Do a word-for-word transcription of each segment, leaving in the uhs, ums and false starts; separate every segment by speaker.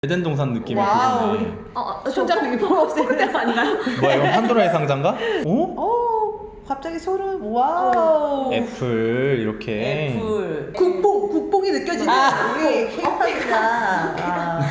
Speaker 1: 에덴 동산 느낌이
Speaker 2: 와우.
Speaker 1: 들겠네.
Speaker 2: 어, 손잡고 이게 프로스테스 아닌가요?
Speaker 1: 뭐야 이건 판도라의 상자인가? 어?
Speaker 2: 오, 갑자기 소름. 와우.
Speaker 1: 애플 이렇게.
Speaker 2: 애플. 국뽕, 국뽕이 느껴지는
Speaker 1: 아.
Speaker 2: 우리 케이팝입니다. 아.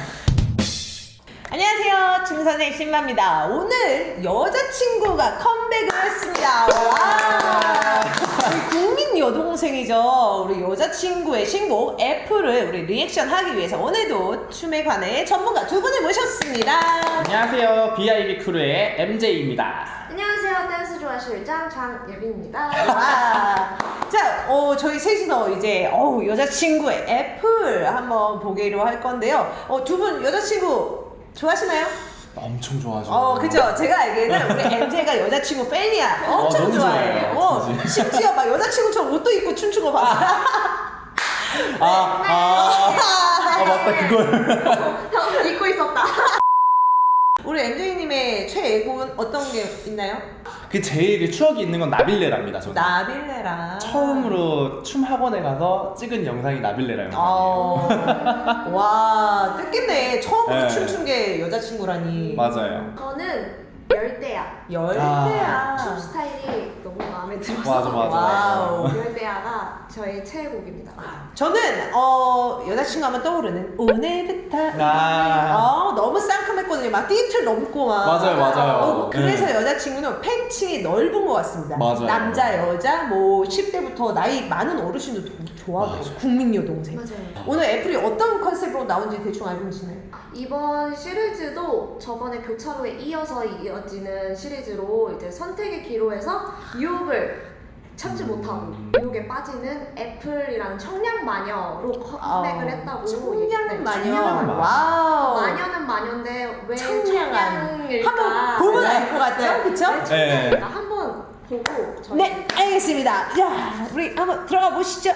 Speaker 2: 안녕하세요, 중선의 신마입니다. 오늘 여자친구가 컴백을 했습니다. 와. 우리 국민 여동생이죠. 우리 여자친구의 신곡 애플을 우리 리액션 하기 위해서 오늘도 춤에 관해 전문가 두 분을 모셨습니다.
Speaker 3: 안녕하세요. 비아이비 크루의 엠제이입니다.
Speaker 4: 안녕하세요. 댄스 좋아 실장 장예빈입니다.
Speaker 2: 와. 자, 어, 저희 셋이서 이제 어, 여자친구의 애플 한번 보기로 할 건데요. 어, 두 분 여자친구 좋아하시나요?
Speaker 1: 엄청 좋아하죠.
Speaker 2: 어, 그죠. 제가 알기에는 우리 엠제이가 여자친구 팬이야. 엄청
Speaker 1: 어, 너무
Speaker 2: 좋아해.
Speaker 1: 좋아해요,
Speaker 2: 어,
Speaker 1: 진짜.
Speaker 2: 심지어 막 여자친구처럼 옷도 입고 춤춘 거 봤어.
Speaker 1: 아, 아, 아 맞다 그걸.
Speaker 4: 형 잊고 있었다.
Speaker 2: 우리 엠제이님의 최애곡은 어떤 게 있나요?
Speaker 1: 그 제일 추억이 있는 건 나빌레라입니다. 저는.
Speaker 2: 나빌레라.
Speaker 1: 처음으로 춤 학원에 가서 찍은 영상이 나빌레라 영상이에요.
Speaker 2: 어, 와, 뜻깊네. 처음으로
Speaker 1: 네.
Speaker 2: 춤춘 게 여자친구라니.
Speaker 1: 맞아요.
Speaker 4: 저는 열대야.
Speaker 2: 열대야.
Speaker 4: 춤 스타일이 너무 마음에 들어서
Speaker 1: 맞아, 맞아.
Speaker 2: 와우.
Speaker 4: 열대야가 저의 최애곡입니다.
Speaker 2: 저는 어 여자친구 하면 떠오르는 오늘부터
Speaker 1: 아.
Speaker 2: 어 너무 쌍큼했거든요. 막 띠틀 넘고 막
Speaker 1: 맞아요, 맞아요.
Speaker 2: 어, 그래서
Speaker 1: 네.
Speaker 2: 여자친구는 팬층이 넓은 것 같습니다.
Speaker 1: 맞아요.
Speaker 2: 남자 여자 뭐 십 대부터 나이 많은 어르신들도 좋아하고
Speaker 1: 맞아.
Speaker 2: 국민 여동생.
Speaker 4: 맞아요.
Speaker 2: 오늘 애플이 어떤 컨셉으로 나온지 대충 알고 계시나요?
Speaker 4: 이번 시리즈도 저번에 교차로에 이어서 이어지는 시리즈로 이제 선택의 기로에서 유혹을 참지 못하고 유혹에 빠지는 애플이라는 청량 마녀로 컴백을 했다고.
Speaker 2: 청량
Speaker 4: 네,
Speaker 2: 마녀.
Speaker 4: 청량 마녀.
Speaker 2: 와우.
Speaker 4: 마녀는 마녀인데 왜
Speaker 2: 청량한.
Speaker 4: 청량일까?
Speaker 2: 한번 보면 알 것 같죠? 그쵸?
Speaker 4: 왜 청량일까? 한번 보고 저희
Speaker 2: 네, 알겠습니다. 자, 우리 한번 들어가 보시죠.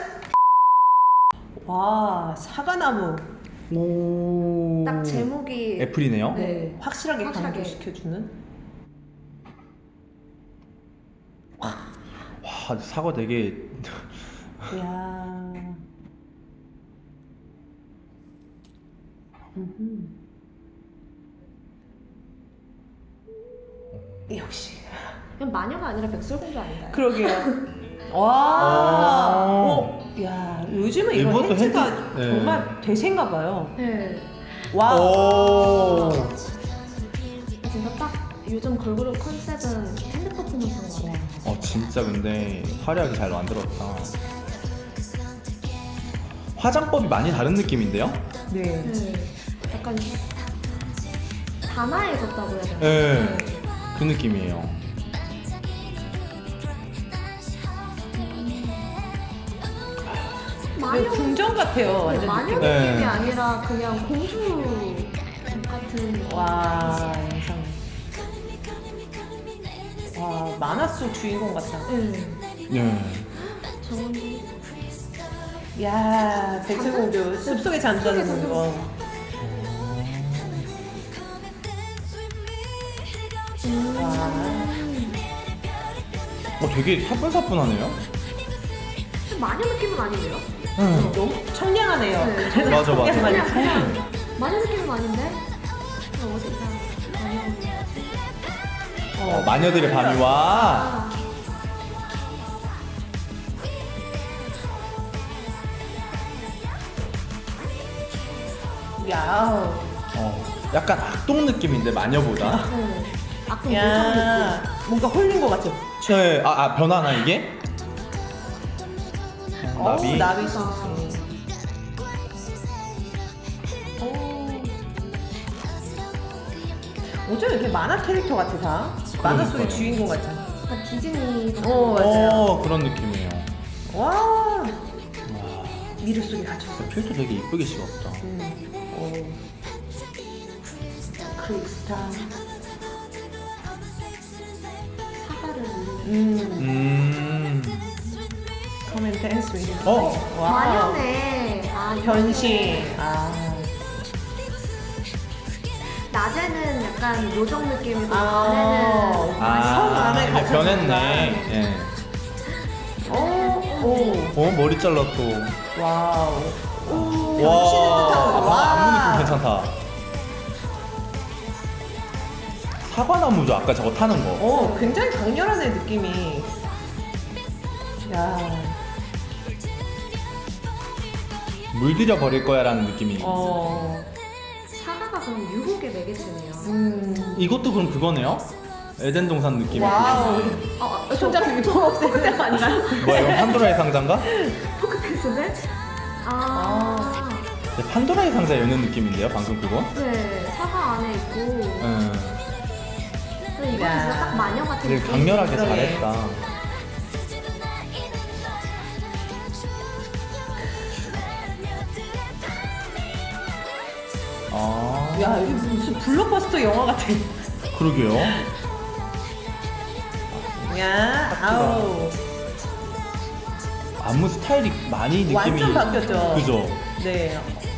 Speaker 2: 와, 사과나무.
Speaker 1: 오.
Speaker 4: 딱 제목이
Speaker 1: 애플이네요.
Speaker 2: 네, 확실하게
Speaker 4: 확실하게.
Speaker 2: 강조시켜주는.
Speaker 1: 와 사과 되게.
Speaker 2: 이야. 음흠. 역시.
Speaker 4: 그냥 마녀가 아니라 백설공주 아닌가요?
Speaker 2: 그러게요. 와.
Speaker 1: 오.
Speaker 2: 오. 야, 요즘은 이런
Speaker 1: 이것도
Speaker 2: 헤드가
Speaker 1: 헤드- 네.
Speaker 2: 정말 대세인가 봐요.
Speaker 4: 네.
Speaker 2: 와.
Speaker 1: 오.
Speaker 4: 진짜 딱 요즘 걸그룹 컨셉은 핸드 퍼포먼스인 것 같아요.
Speaker 1: 어 진짜 근데 화려하게 잘 만들었다. 화장법이 많이 다른 느낌인데요?
Speaker 2: 네.
Speaker 4: 네. 약간 단아해졌다고 해야 되나?
Speaker 1: 네. 그 느낌이에요.
Speaker 2: 네,
Speaker 4: 마녀
Speaker 2: 궁전 같아요. 완전
Speaker 4: 마녀
Speaker 2: 느낌.
Speaker 1: 네.
Speaker 4: 느낌이 아니라 그냥 공주 같은.
Speaker 2: 와, 영상. 와, 만화 속 주인공 같다.
Speaker 4: 네.
Speaker 1: 네.
Speaker 4: 저는
Speaker 2: 야, 백설공주 숲속에 잠자는 거. 와,
Speaker 1: 어 되게 사뿐사뿐하네요.
Speaker 4: 마녀 느낌은 아닌데요?
Speaker 1: 응.
Speaker 2: 너무 청량하네요.
Speaker 4: 네.
Speaker 2: 그래서
Speaker 1: 맞아, 맞아.
Speaker 2: 청량 많이
Speaker 4: 그냥
Speaker 2: 좋은.
Speaker 4: 마녀 느낌은 아닌데? 그냥 어디가 마녀.
Speaker 1: 어, 마녀들의 밤이 와.
Speaker 4: 아,
Speaker 2: 야,
Speaker 1: 어, 약간 악동 느낌인데 마녀보다.
Speaker 4: 네. 아까 요정
Speaker 2: 야, 뭔가 홀린 것 같죠?
Speaker 1: 네. 아, 아 변하나 이게? 어, 나비.
Speaker 2: 어우, 나비 씨. 어쩜 이렇게 만화 캐릭터 같아 다? 만화 속의
Speaker 1: 그러니까요.
Speaker 2: 주인공 같아.
Speaker 4: 느낌. 약간 디즈니.
Speaker 2: 어, 맞아요.
Speaker 1: 어 그런 느낌이에요.
Speaker 2: 와,
Speaker 1: 와,
Speaker 2: 미르 속에 갇혔어.
Speaker 1: 필터 되게 이쁘게 씹었다.
Speaker 2: 음, 어. 크리스탈.
Speaker 4: 사과를 올리는.
Speaker 2: 음,
Speaker 1: 음.
Speaker 2: Come and dance with me.
Speaker 1: 어.
Speaker 2: 와.
Speaker 4: 마녀네. 아,
Speaker 2: 변신. 아.
Speaker 4: 낮에는 약간 요정 느낌이고
Speaker 2: 아.
Speaker 4: 밤에는
Speaker 1: 아,
Speaker 2: 성 안에
Speaker 1: 이제
Speaker 2: 갇혔구나.
Speaker 1: 변했네. 예.
Speaker 2: 어, 오,
Speaker 1: 어 머리 잘랐고.
Speaker 2: 와우. 오,
Speaker 1: 와,
Speaker 2: 변신을 뜻하고.
Speaker 1: 아, 안무 느낌 괜찮다.
Speaker 5: 사과나무죠, 아까 저거 타는 거.
Speaker 2: 어, 굉장히 강렬하네 느낌이. 야,
Speaker 5: 물들여 버릴 거야라는 느낌이.
Speaker 2: 어,
Speaker 4: 사과가 그럼 유혹의 매개체네요.
Speaker 2: 음,
Speaker 5: 이것도 그럼 그거네요? 에덴 동산 느낌이.
Speaker 2: 와우.
Speaker 4: 어, 어,
Speaker 2: 손잡이 포크댄스 아닌가요?
Speaker 5: 뭐야, 이건 판도라의 상자인가?
Speaker 4: 포크댄스인데? 아,
Speaker 5: 네, 판도라의 상자 여는 느낌인데요, 방금 그거?
Speaker 4: 네, 사과 안에 있고.
Speaker 5: 음.
Speaker 4: 근데 이건
Speaker 2: 야.
Speaker 4: 진짜 딱 마녀 같은
Speaker 5: 되게
Speaker 4: 느낌.
Speaker 5: 강렬하게
Speaker 2: 그러게.
Speaker 5: 잘했다. 아,
Speaker 2: 야, 이게 무슨 블록버스터 영화 같아.
Speaker 5: 그러게요.
Speaker 2: 야, 아우.
Speaker 5: 안무 스타일이 많이 느낌이
Speaker 2: 완전 바뀌었죠.
Speaker 5: 그죠?
Speaker 2: 네.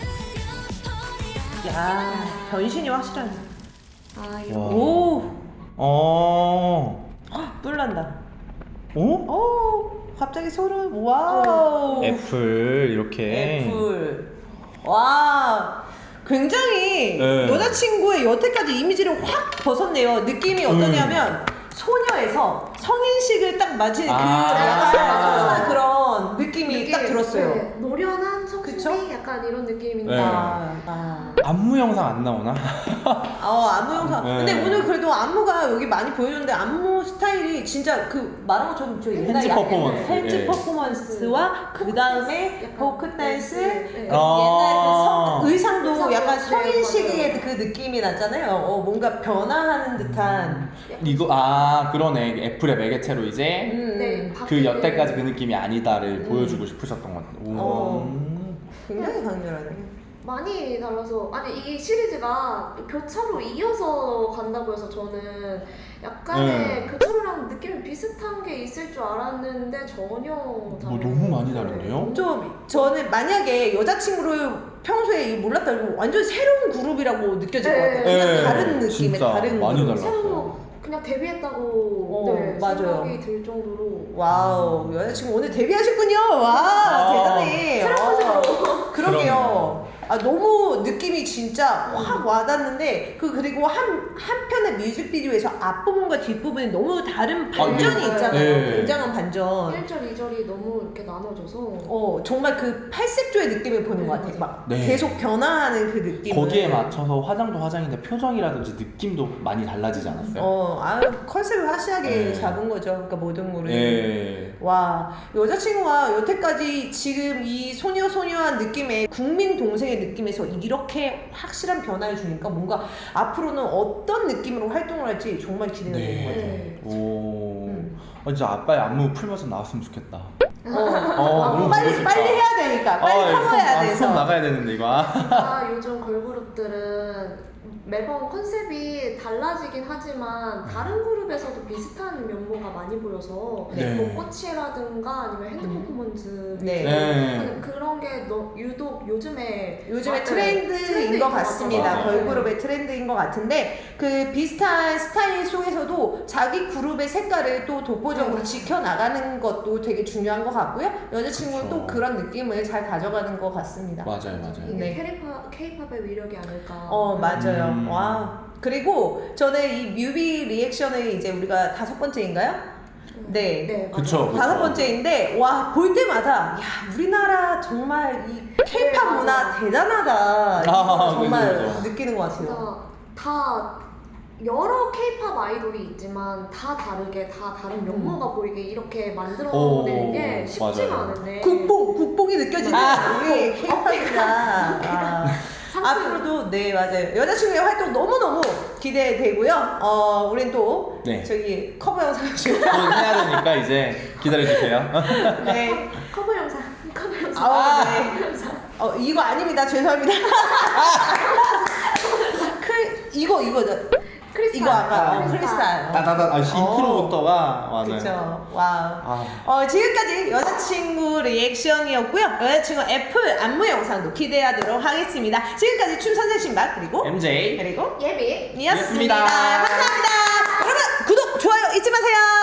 Speaker 2: 야, 변신이 확실하네.
Speaker 4: 아, 이거.
Speaker 5: 와.
Speaker 2: 오,
Speaker 5: 어.
Speaker 2: 뿔난다.
Speaker 5: 어?
Speaker 2: 오, 갑자기 소름. 와우.
Speaker 5: 애플 이렇게.
Speaker 2: 애플. 와, 굉장히
Speaker 5: 네.
Speaker 2: 여자친구의 여태까지 이미지를 확 벗었네요. 느낌이 어떠냐면 소녀에서 성인식을 딱 맞은
Speaker 5: 아.
Speaker 2: 그 약간
Speaker 4: 맞아, 맞아.
Speaker 2: 그런 느낌이 딱 들었어요.
Speaker 4: 네, 노련한
Speaker 2: 그쵸?
Speaker 4: 성수기 약간 이런 느낌인데.
Speaker 5: 네.
Speaker 2: 아, 아.
Speaker 5: 안무 영상 안 나오나?
Speaker 2: 어, 안무 영상.
Speaker 5: 네.
Speaker 2: 근데 오늘 그래도 안무가 여기 많이 보여줬는데 안무 스타일이 진짜 그 말한 것처럼 저 옛날
Speaker 5: 팬츠
Speaker 2: 약-
Speaker 5: 퍼포먼스.
Speaker 2: 팬츠
Speaker 5: 예.
Speaker 2: 퍼포먼스와 그 다음에
Speaker 4: 약간
Speaker 2: 포크 댄스,
Speaker 4: 네.
Speaker 2: 그
Speaker 5: 아.
Speaker 2: 옛날 그 성- 의상도
Speaker 4: 의상도
Speaker 2: 약간
Speaker 4: 네,
Speaker 2: 성인
Speaker 4: 맞아요.
Speaker 2: 시기의 그 느낌이 났잖아요. 어, 뭔가 변화하는 듯한.
Speaker 3: 이거 아 그러네 애플의 매개체로 이제
Speaker 2: 음,
Speaker 4: 네,
Speaker 3: 그
Speaker 4: 바뀌는-
Speaker 3: 여태까지 그 느낌이 아니다를
Speaker 2: 음.
Speaker 3: 보여주고 싶으셨던 것 같아요. 오.
Speaker 2: 어.
Speaker 5: 음.
Speaker 2: 굉장히 강렬하네.
Speaker 4: 많이 달라서 아니 이 시리즈가 교차로 이어서 간다고 해서 저는 약간의
Speaker 5: 네.
Speaker 4: 교차로랑 느낌이 비슷한 게 있을 줄 알았는데 전혀
Speaker 5: 뭐
Speaker 4: 다른
Speaker 5: 너무 많이 다른데요?
Speaker 2: 좀 저는 만약에 여자친구를 평소에 몰랐다고 완전 새로운 그룹이라고 느껴질 것 같아요.
Speaker 4: 네.
Speaker 2: 그냥
Speaker 5: 네,
Speaker 2: 다른 느낌의
Speaker 5: 진짜
Speaker 2: 다른
Speaker 5: 많이
Speaker 2: 그룹.
Speaker 5: 달라.
Speaker 4: 새로 그냥 데뷔했다고
Speaker 2: 어,
Speaker 4: 네,
Speaker 2: 맞아요.
Speaker 4: 생각이 들 정도로
Speaker 2: 와우, 여자친구 오늘 데뷔하셨군요. 와,
Speaker 5: 아,
Speaker 2: 대단해.
Speaker 4: 새로운
Speaker 2: 어,
Speaker 4: 식으로.
Speaker 2: 그러게요. 아, 너무 느낌이 진짜 확 와닿는데 그 그리고 한 한편의 뮤직비디오에서 앞부분과 뒷부분이 너무 다른 반전이
Speaker 4: 네.
Speaker 2: 있잖아요.
Speaker 5: 네.
Speaker 2: 굉장한 반전.
Speaker 4: 일 절, 이 절이 너무 이렇게 나눠져서
Speaker 2: 어, 정말 그 팔색조의 느낌을 보는 것 같아요. 막
Speaker 5: 네.
Speaker 2: 계속 변화하는 그 느낌.
Speaker 3: 거기에 맞춰서 화장도 화장인데 표정이라든지 느낌도 많이 달라지지 않았어요?
Speaker 2: 어, 아 컨셉을 확실하게
Speaker 5: 네.
Speaker 2: 잡은 거죠. 그러니까 모든 거를.
Speaker 5: 예.
Speaker 2: 와, 여자친구가 여태까지 지금 이 소녀 소녀한 느낌의 국민 동생의 느낌에서 이렇게 확실한 변화를 주니까 뭔가 앞으로는 어떤 느낌으로 활동을 할지 정말 기대가 되는 것 같아요.
Speaker 4: 네.
Speaker 5: 오.
Speaker 2: 음.
Speaker 5: 아, 진짜 아빠의 안무 풀면서 나왔으면 좋겠다.
Speaker 2: 어,
Speaker 5: 어,
Speaker 2: 아,
Speaker 5: 너무
Speaker 2: 빨리
Speaker 5: 보고 싶다.
Speaker 2: 빨리 해야 되니까 빨리
Speaker 5: 아,
Speaker 2: 커버해야
Speaker 5: 손, 아,
Speaker 2: 돼서.
Speaker 5: 손 나가야 되는데 이거. 아.
Speaker 4: 아, 요즘 걸그룹들은 매번 컨셉이 달라지긴 하지만 다른 그룹에서도 비슷한 면모가 많이 보여서
Speaker 5: 네.
Speaker 4: 뭐 꽃이라든가 아니면 핸드
Speaker 2: 음.
Speaker 4: 퍼포먼스
Speaker 2: 네.
Speaker 5: 네.
Speaker 4: 그런 게 너, 유독 요즘에
Speaker 2: 요즘의
Speaker 4: 아,
Speaker 2: 트렌드인
Speaker 4: 트렌드인
Speaker 2: 것
Speaker 4: 것
Speaker 2: 같습니다.
Speaker 5: 같아요.
Speaker 2: 걸그룹의 트렌드인 것 같은데 그 비슷한 스타일 속에서도 자기 그룹의 색깔을 또 독보적으로
Speaker 4: 네.
Speaker 2: 지켜나가는 것도 되게 중요한 것 같고요. 여자친구는
Speaker 5: 그쵸.
Speaker 2: 또 그런 느낌을 잘 가져가는 것 같습니다.
Speaker 5: 맞아요, 맞아요.
Speaker 4: 이게
Speaker 2: 네.
Speaker 4: 케이팝, 케이팝의 위력이 아닐까.
Speaker 2: 어, 맞아요.
Speaker 5: 음.
Speaker 2: 와. 그리고 저는 이 뮤비 리액션을 이제 우리가 다섯 번째인가요? 네.
Speaker 4: 네,
Speaker 5: 그쵸.
Speaker 4: 맞아요.
Speaker 2: 다섯 번째인데 와 볼 때마다 야 우리나라 정말 이 케이팝
Speaker 4: 네,
Speaker 2: 문화
Speaker 4: 맞아.
Speaker 2: 대단하다
Speaker 5: 아,
Speaker 2: 정말
Speaker 5: 그죠, 그죠.
Speaker 2: 느끼는 것 같아요.
Speaker 4: 진짜 다 여러 케이팝 아이돌이 있지만 다 다르게 다 다른 면모가 보이게 이렇게 만들어내는
Speaker 5: 오,
Speaker 4: 게 쉽지가
Speaker 5: 맞아요.
Speaker 4: 않은데
Speaker 2: 국뽕 국뽕이 느껴지는
Speaker 5: 아.
Speaker 2: 우리 케이팝이다. 아. 앞으로도 네 맞아요. 여자친구의 활동 너무 너무 기대되고요. 어 우린 또
Speaker 3: 네.
Speaker 2: 저기 커버 영상 중
Speaker 3: 또 해야 되니까 이제 기다려주세요.
Speaker 2: 네.
Speaker 4: 커버 영상 커버 영상
Speaker 2: 아, 네. 어, 이거 아닙니다. 죄송합니다. 크, 이거, 이거,
Speaker 4: 크리스탈
Speaker 2: 이거 아까 어,
Speaker 4: 크리스탈.
Speaker 2: 크리스탈.
Speaker 3: 따다다 아,
Speaker 2: 어.
Speaker 3: 인트로부터가 맞아요.
Speaker 2: 그쵸. 와우.
Speaker 3: 아.
Speaker 2: 어, 지금까지 여자친구 리액션이었고요. 여자친구 애플 안무 영상도 기대하도록 하겠습니다. 지금까지 춤선생 신박, 그리고,
Speaker 3: 엠제이
Speaker 2: 그리고,
Speaker 4: 예비
Speaker 2: 이었습니다.
Speaker 3: 이었습니다.
Speaker 2: 감사합니다. 여러분, 구독, 좋아요 잊지 마세요.